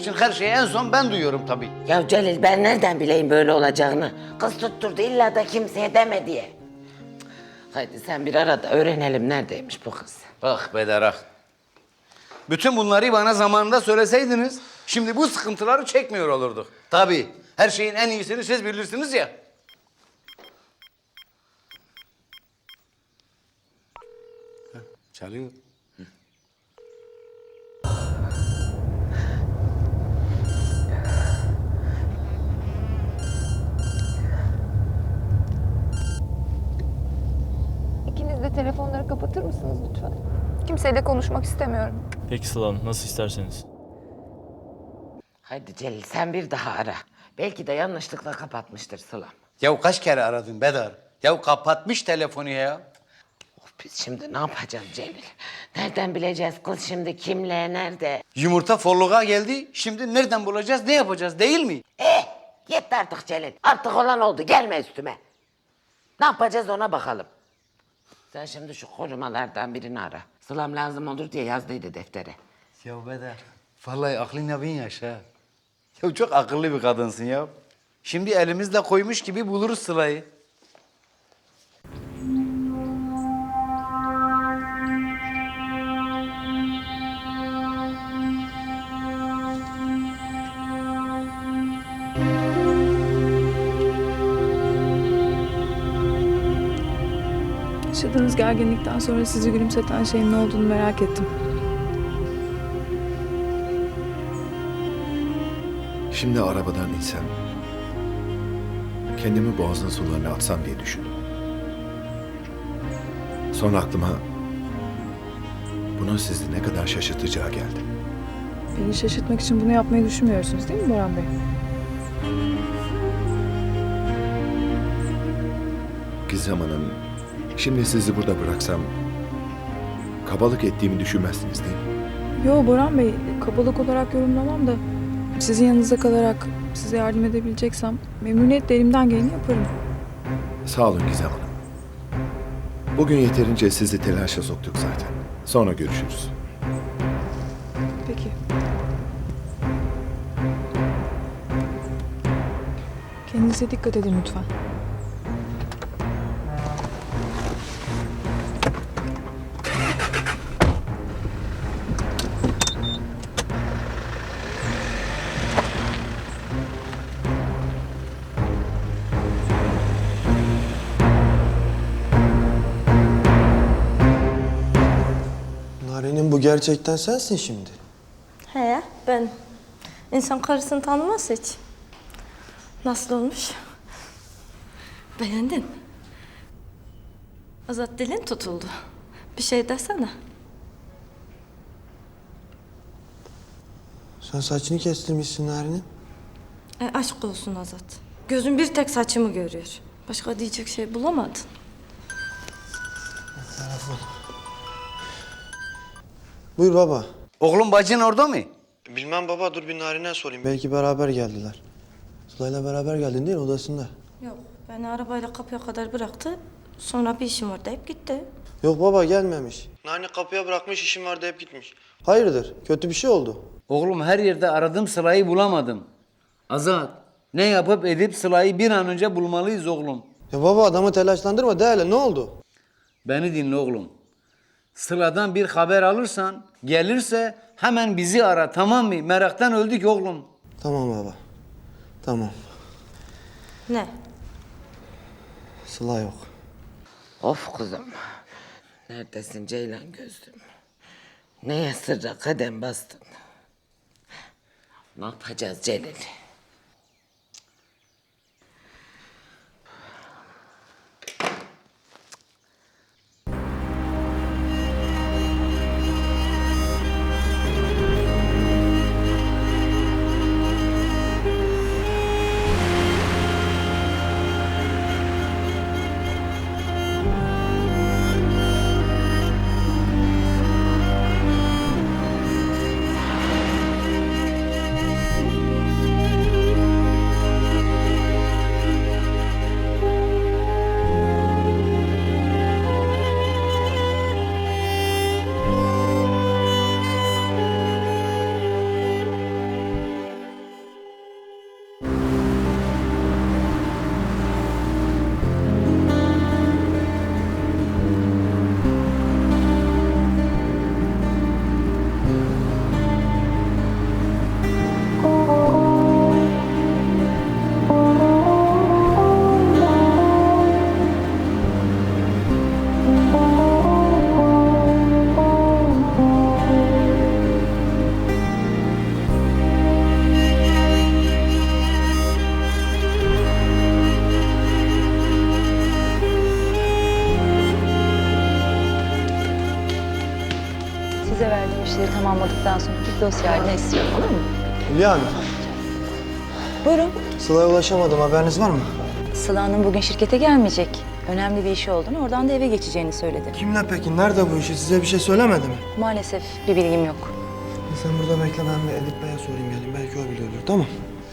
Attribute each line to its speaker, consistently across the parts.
Speaker 1: için her şeyi en son ben duyuyorum tabii.
Speaker 2: Ya Celil ben nereden bileyim böyle olacağını? Kız tutturdu illa da kimseye deme diye. Haydi sen bir ara da öğrenelim neredeymiş bu kız.
Speaker 1: Bak Bederak. Bütün bunları bana zamanında söyleseydiniz, şimdi bu sıkıntıları çekmiyor olurduk. Tabii, her şeyin en iyisini siz bilirsiniz ya. Heh, çalıyor.
Speaker 3: İkiniz de telefonları kapatır mısınız lütfen? Kimseyle konuşmak istemiyorum.
Speaker 4: Peki Sıla Hanım, nasıl isterseniz.
Speaker 2: Haydi Celil sen bir daha ara. Belki de yanlışlıkla kapatmıştır Sılam.
Speaker 1: Ya kaç kere aradın Bedar? Ya kapatmış telefonu ya.
Speaker 2: Biz şimdi ne yapacağız Celil? Nereden bileceğiz kız şimdi kimle, nerede?
Speaker 1: Yumurta forluğa geldi, şimdi nereden bulacağız, ne yapacağız değil mi?
Speaker 2: Yetti artık Celil. Artık olan oldu. Gelme üstüme. Ne yapacağız ona bakalım. Sen şimdi şu korumalardan birini ara. Sılam lazım olur diye yazdıydı deftere.
Speaker 1: Ya Bedar, vallahi aklına bin yaşa. Ya çok akıllı bir kadınsın ya. Şimdi elimizle koymuş gibi buluruz Sıla'yı.
Speaker 3: Yaşadığınız gerginlikten sonra sizi gülümseten şeyin ne olduğunu merak ettim.
Speaker 5: Şimdi arabadan insem, kendimi boğazın sularına atsam diye düşündüm. Sonra aklıma bunun sizi ne kadar şaşırtacağı geldi.
Speaker 3: Beni şaşırtmak için bunu yapmayı düşünmüyorsunuz değil mi Boran Bey?
Speaker 5: Gizem Hanım, şimdi sizi burada bıraksam kabalık ettiğimi düşünmezsiniz değil mi?
Speaker 3: Yo Boran Bey, kabalık olarak yorumlamam da sizin yanınızda kalarak size yardım edebileceksem memnuniyetle elimden geleni yaparım.
Speaker 5: Sağ olun Gizem Hanım. Bugün yeterince sizi telaşa soktuk zaten. Sonra görüşürüz.
Speaker 3: Peki. Kendinize dikkat edin lütfen.
Speaker 6: Narenin bu gerçekten sensin şimdi.
Speaker 7: He, ben. İnsan karısını tanımaz hiç. Nasıl olmuş? Beğendin? Azat dilin tutuldu. Bir şey desene.
Speaker 6: Sen saçını kestirmişsin Narenin.
Speaker 7: Aşk olsun Azat. Gözün bir tek saçımı görüyor. Başka diyecek şey bulamadın.
Speaker 6: Buyur baba.
Speaker 1: Oğlum bacın orada mı?
Speaker 6: Bilmem baba, dur bir Narin'e sorayım. Belki beraber geldiler. Sıla'yla beraber geldin değil mi, odasında?
Speaker 7: Yok, beni arabayla kapıya kadar bıraktı. Sonra bir işim var deyip gitti.
Speaker 6: Yok baba, gelmemiş. Narin kapıya bırakmış, işim var deyip gitmiş. Hayırdır, kötü bir şey oldu.
Speaker 1: Oğlum her yerde aradım Sıla'yı bulamadım. Azat, ne yapıp edip Sıla'yı bir an önce bulmalıyız oğlum.
Speaker 6: Ya baba, adamı telaşlandırma de hele, ne oldu?
Speaker 1: Beni dinle oğlum. Sıla'dan bir haber alırsan, gelirse hemen bizi ara, tamam mı? Meraktan öldük oğlum.
Speaker 6: Tamam baba, tamam.
Speaker 7: Ne?
Speaker 6: Sıla yok.
Speaker 2: Of kızım. Neredesin Ceylan gözlüm? Neye sırra kadem bastın? Ne yapacağız Celil?
Speaker 8: yaptıktan sonra bir dosya haline istiyorum, olur mu?
Speaker 6: Hülya Hanım,
Speaker 8: Buyurun.
Speaker 6: Sıla'ya ulaşamadım. Haberiniz var mı?
Speaker 8: Sıla Hanım bugün şirkete gelmeyecek. Önemli bir işi olduğunu, oradan da eve geçeceğini söyledi.
Speaker 6: Kimle peki? Nerede bu işi? Size bir şey söylemedi mi?
Speaker 8: Maalesef bir bilgim yok.
Speaker 6: Sen burada bekle, ben bir Edip Bey'e sorayım geleyim. Belki o biliyordur, tamam.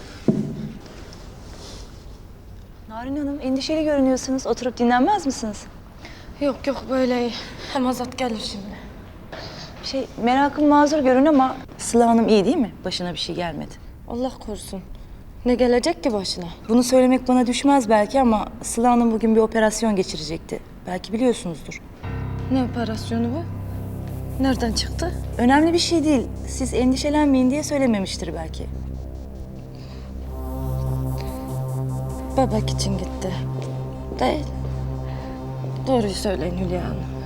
Speaker 8: Narin Hanım, endişeli görünüyorsunuz. Oturup dinlenmez misiniz?
Speaker 7: Yok yok böyle iyi. Hem Azat gelir şimdi.
Speaker 8: Merakım mazur görün ama Sıla Hanım iyi değil mi? Başına bir şey gelmedi.
Speaker 7: Allah korusun. Ne gelecek ki başına?
Speaker 8: Bunu söylemek bana düşmez belki ama Sıla Hanım bugün bir operasyon geçirecekti. Belki biliyorsunuzdur.
Speaker 7: Ne operasyonu bu? Nereden çıktı?
Speaker 8: Önemli bir şey değil. Siz endişelenmeyin diye söylememiştir belki.
Speaker 7: Bebek için gitti. Değil. Doğruyu söyleyin Hülya Hanım.